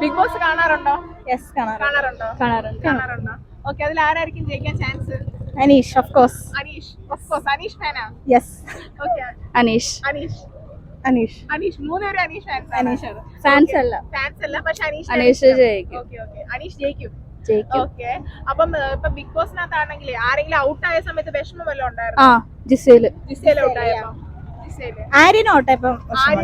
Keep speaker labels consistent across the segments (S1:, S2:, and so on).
S1: Big Boss കാണാറുണ്ടോ?
S2: Yes
S1: കാണാറുണ്ടോ? കാണാറുണ്ടോ? ഓക്കെ, അതിൽ ആരായിരിക്കും ജയിക്കാൻ chance?
S2: Aneesh of course.
S1: Aneesh ഫാനാ?
S2: Yes
S1: okay,
S2: Aneesh.
S1: മൂന്നുപേരും അനീഷ് ഫാൻസ്.
S2: ഫാൻസ് അല്ല,
S1: പക്ഷെ
S2: അനീഷ് ജയിക്കും.
S1: അനീഷ് ജയിക്കും. ഓക്കെ, അപ്പം ഇപ്പൊ ബിഗ് ബോസിനകത്താണെങ്കിൽ ആരെങ്കിലും ഔട്ട് ആയ സമയത്ത് വിഷമം വല്ലതും ഉണ്ടായിരുന്നു?
S2: ജിസേല്
S1: ഔട്ട് ആയപ്പോ
S2: ആര്യനും ഔട്ടായപ്പം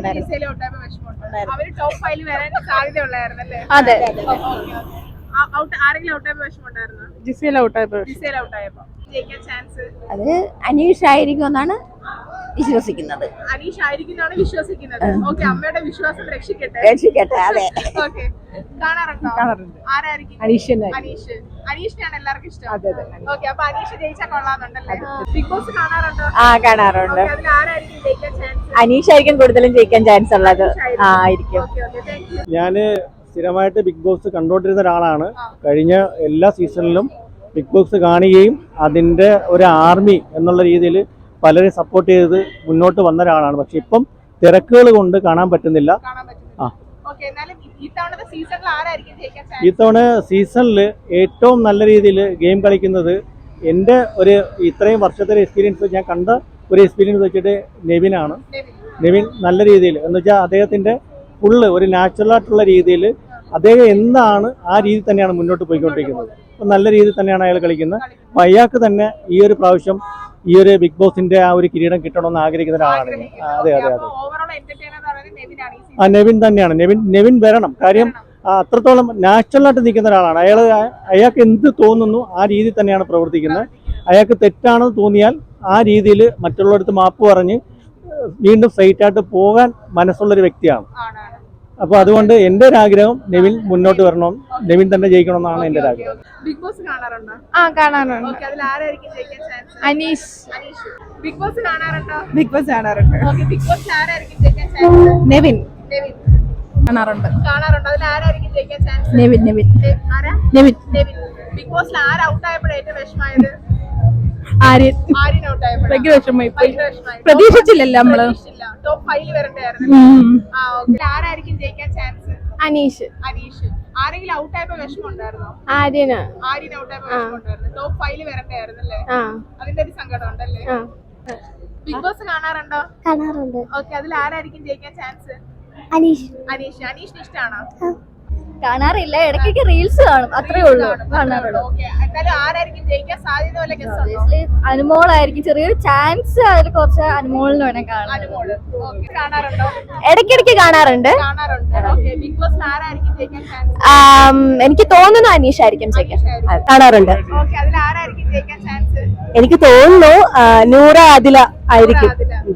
S1: അവര് ടോപ്പ് 5 വരാൻ സാധ്യത ഉള്ളായിരുന്നല്ലേ?
S2: അതെ.
S1: ആരെങ്കിലും ഔട്ട് ആയപ്പോ വിഷമം ഉണ്ടായിരുന്നു?
S2: ജിസേൽ ഔട്ടായപ്പോ
S1: ജയിക്കാൻ ചാൻസ്
S2: അത് അനീഷ് ആയിരിക്കും എന്നാണ് വിശ്വസിക്കുന്നത്.
S1: അനീഷ് ആയിരിക്കുന്നതാണ് വിശ്വസിക്കുന്നത്. ഓക്കെ, അമ്മയുടെ വിശ്വാസം രക്ഷിക്കട്ടെ.
S2: അതെ.
S1: ഓക്കെ, കാണാറുണ്ടോ? ആരായിരിക്കും? അനീഷിനെയാണ് എല്ലാവർക്കും ഇഷ്ടം. ഓക്കെ, അപ്പൊ അനീഷ് ജയിച്ചാൽ കൊള്ളാന്നുണ്ടല്ലേ? ബിഗ് ബോസ് കാണാറുണ്ടോ?
S2: കാണാറുണ്ട്.
S1: അതിൽ ആരായിരിക്കും ജയിക്കാൻ ചാൻസ്?
S2: അനീഷ് ആയിരിക്കും കൂടുതലും ജയിക്കാൻ ചാൻസ് ഉള്ളത്. ആയിരിക്കും.
S3: ഞാന് സ്ഥിരമായിട്ട് ബിഗ് ബോസ് കണ്ടുകൊണ്ടിരുന്ന ഒരാളാണ്. കഴിഞ്ഞ എല്ലാ സീസണിലും ബിഗ് ബോസ് കാണുകയും അതിൻ്റെ ഒരു ആർമി എന്നുള്ള രീതിയിൽ പലരെ സപ്പോർട്ട് ചെയ്ത് മുന്നോട്ട് വന്ന ഒരാളാണ്. പക്ഷെ ഇപ്പം തിരക്കുകൾ കൊണ്ട് കാണാൻ പറ്റുന്നില്ല. ഇത്തവണ സീസണിൽ ഏറ്റവും നല്ല രീതിയിൽ ഗെയിം കളിക്കുന്നത് എൻ്റെ ഒരു ഇത്രയും വർഷത്തെ എക്സ്പീരിയൻസ് ഞാൻ കണ്ട ഒരു എക്സ്പീരിയൻസ് വെച്ചിട്ട് നെവിനാണ്. നെവിൻ നല്ല രീതിയിൽ എന്ന് വെച്ചാൽ അദ്ദേഹത്തിൻ്റെ ഫുള്ള് ഒരു നാച്ചുറൽ ആയിട്ടുള്ള രീതിയിൽ അദ്ദേഹം എന്താണ് ആ രീതി തന്നെയാണ് മുന്നോട്ട് പോയിക്കൊണ്ടിരിക്കുന്നത്. അപ്പം നല്ല രീതിയിൽ തന്നെയാണ് അയാൾ കളിക്കുന്നത്. അപ്പം അയാൾക്ക് തന്നെ ഈ ഒരു പ്രാവശ്യം ഈ ഒരു ബിഗ് ബോസിന്റെ ആ ഒരു കിരീടം കിട്ടണമെന്ന് ആഗ്രഹിക്കുന്ന ഒരാളാണ്. അതെ. നെവിൻ തന്നെയാണ്. നെവിൻ വരണം. കാര്യം അത്രത്തോളം നാച്ചുറലായിട്ട് നിൽക്കുന്ന ഒരാളാണ്. അയാൾക്ക് എന്ത് തോന്നുന്നു ആ രീതിയിൽ തന്നെയാണ് പ്രവർത്തിക്കുന്നത്. അയാൾക്ക് തെറ്റാണെന്ന് തോന്നിയാൽ ആ രീതിയിൽ മറ്റുള്ളവർക്ക് മാപ്പ് പറഞ്ഞ് വീണ്ടും സ്ട്രൈറ്റ് ആയിട്ട് പോകാൻ മനസ്സുള്ളൊരു വ്യക്തിയാണ്. അപ്പൊ അതുകൊണ്ട് എന്റെ ഒരു ആഗ്രഹം നെവിൻ മുന്നോട്ട് വരണം, നെവിൻ തന്നെ ജയിക്കണമെന്നാണ് എന്റെ ഒരു ആഗ്രഹം.
S1: ബിഗ് ബോസ് കാണാറുണ്ടോ?
S2: കാണാറുണ്ട്.
S1: അതിൽ ആരായിരിക്കും ജയിക്കാൻ ചാൻസ്?
S2: അനീഷ്.
S1: ബിഗ് ബോസ് കാണാറുണ്ടോ?
S2: ബിഗ് ബോസ് കാണാറുണ്ട്.
S1: ബിഗ് ബോസിൽ ആരായിരിക്കും ജയിക്കാൻ ചാൻസ്?
S2: നെവിൻ. കാണാറുണ്ട്.
S1: അതിൽ ആരായിരിക്കും ജയിക്കാൻ ചാൻസ്?
S2: നെവിൻ.
S1: ബിഗ് ബോസിൽ ആര് ഔട്ട് ആയപ്പോഴാണ് ഏറ്റവും വിഷമായത്?
S2: ആര്യൻ
S1: ഔട്ട് ആയപ്പോൾ
S2: ഭയങ്കര വിഷമമായി പോയി. പ്രതീക്ഷിച്ചില്ലല്ലോ നമ്മള്.
S1: ടോപ്പ് 5 വരണ്ടായിരുന്നു. ആരായിരിക്കും ജയിക്കാൻ ചാൻസ്?
S2: അനീഷ്.
S1: ആരെങ്കിലും ഔട്ട് ആയപ്പോ വിഷമം ഉണ്ടായിരുന്നോ?
S2: ആര്യൻ
S1: ഔട്ട് ആയപ്പോ വിഷമം ഉണ്ടായിരുന്നു. ടോപ്പ് 5 വരണ്ടായിരുന്നല്ലേ? അതിന്റെ ഒരു സങ്കടം ഉണ്ടല്ലേ? ബിഗ് ബോസ് കാണാറുണ്ടോ?
S2: കാണാറുണ്ട്.
S1: ഓക്കെ, അതിൽ ആരായിരിക്കും ജയിക്കാൻ ചാൻസ്? അനീഷിന് ഇഷ്ടമാണോ?
S2: കാണാറില്ല, ഇടയ്ക്ക് റീൽസ് കാണും, അത്രേ ഉള്ളൂ. കാണാറുള്ളൂ.
S1: ആരായിരിക്കും ജയിക്കാൻ സാധ്യത?
S2: അനുമോളായിരിക്കും. ചെറിയൊരു ചാൻസ് അതിൽ കുറച്ച് അനുമോളിന് വേണം കാണാൻ.
S1: കാണാറുണ്ടോ?
S2: ഇടയ്ക്കിടയ്ക്ക് കാണാറുണ്ട്.
S1: ബിഗ് ബോസ് ആരായിരിക്കും ജയിക്കാൻ ചാൻസ്?
S2: എനിക്ക് തോന്നുന്നു അനീഷ് ആയിരിക്കും ജയിക്കാൻ. കാണാറുണ്ട്.
S1: അതിൽ ആരായിരിക്കും ജയിക്കാൻ ചാൻസ്?
S2: എനിക്ക് തോന്നുന്നു നൂറ ആദില ആയിരിക്കും.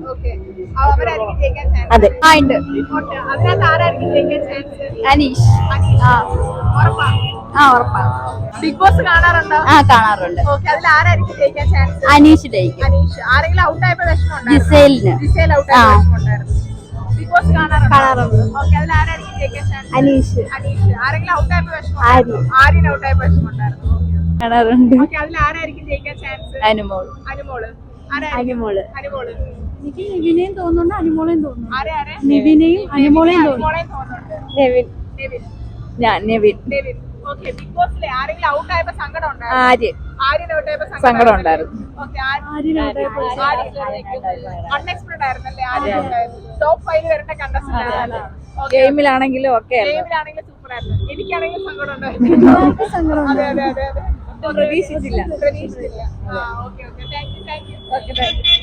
S2: അതെ.
S1: അതിനകത്ത് ആരായിരിക്കും ജയിക്കാൻ ചാൻസ്?
S2: അനീഷ്. ഉറപ്പാ.
S1: ബിഗ് ബോസ് കാണാറുണ്ടോ?
S2: കാണാറുണ്ട്.
S1: അതിൽ ആരായിരിക്കും ജയിക്കാൻ ചാൻസ്?
S2: അനീഷ് ജയിക്കും.
S1: ആരെങ്കിലും ഔട്ട് ആയപ്പോ വിഷമം?
S2: ജിസേൽ
S1: ഔട്ട് ആയപ്പോ വിഷമമുണ്ടായിരുന്നു. ബിഗ് ബോസ് കാണാറുണ്ട്. അതിൽ ആരായിരിക്കും ജയിക്കാൻ ചാൻസ്?
S2: അനീഷ്.
S1: ആരെങ്കിലും ഔട്ട് ആയപ്പോ വിഷമം? ആര്യൻ ഔട്ട് ആയപ്പോ വിഷമമുണ്ടായിരുന്നു.
S2: കാണാറുണ്ട്.
S1: അതിൽ ആരായിരിക്കും ജയിക്കാൻ ചാൻസ്?
S2: അനുമോള്.
S1: എനിക്ക്
S2: നിവിനെയും തോന്നുന്നുണ്ട്, അനുമോളെയും തോന്നുന്നു.
S1: നിവിനെയും
S2: അനുമോളെയും തോന്നുന്നുണ്ട്. നെവിൻ.
S1: ബിഗ് ബോസിലെ ആരെങ്കിലും ഔട്ട് ആയപ്പോ സങ്കടം ഉണ്ടായിരുന്നു? ആര്യൻ ഔട്ട് ആയപ്പോ
S2: സങ്കടം ഉണ്ടായിരുന്നു.
S1: അൺഎക്സ്പെക്ടഡ് ആയിരുന്നല്ലേ ആര്യൻ ഔട്ട് ആയത്? ടോപ്പ് 5 വരേണ്ട കണ്ടസ്റ്റന്റ്.
S2: ഗെയിമിലാണെങ്കിലും ഒക്കെ
S1: സൂപ്പർ ആയിരുന്നു. എനിക്കാണെങ്കിൽ സങ്കടം ഉണ്ടായിരുന്നു. അതെ.
S2: പ്രതീക്ഷിച്ചില്ല.
S1: Okay, thank U.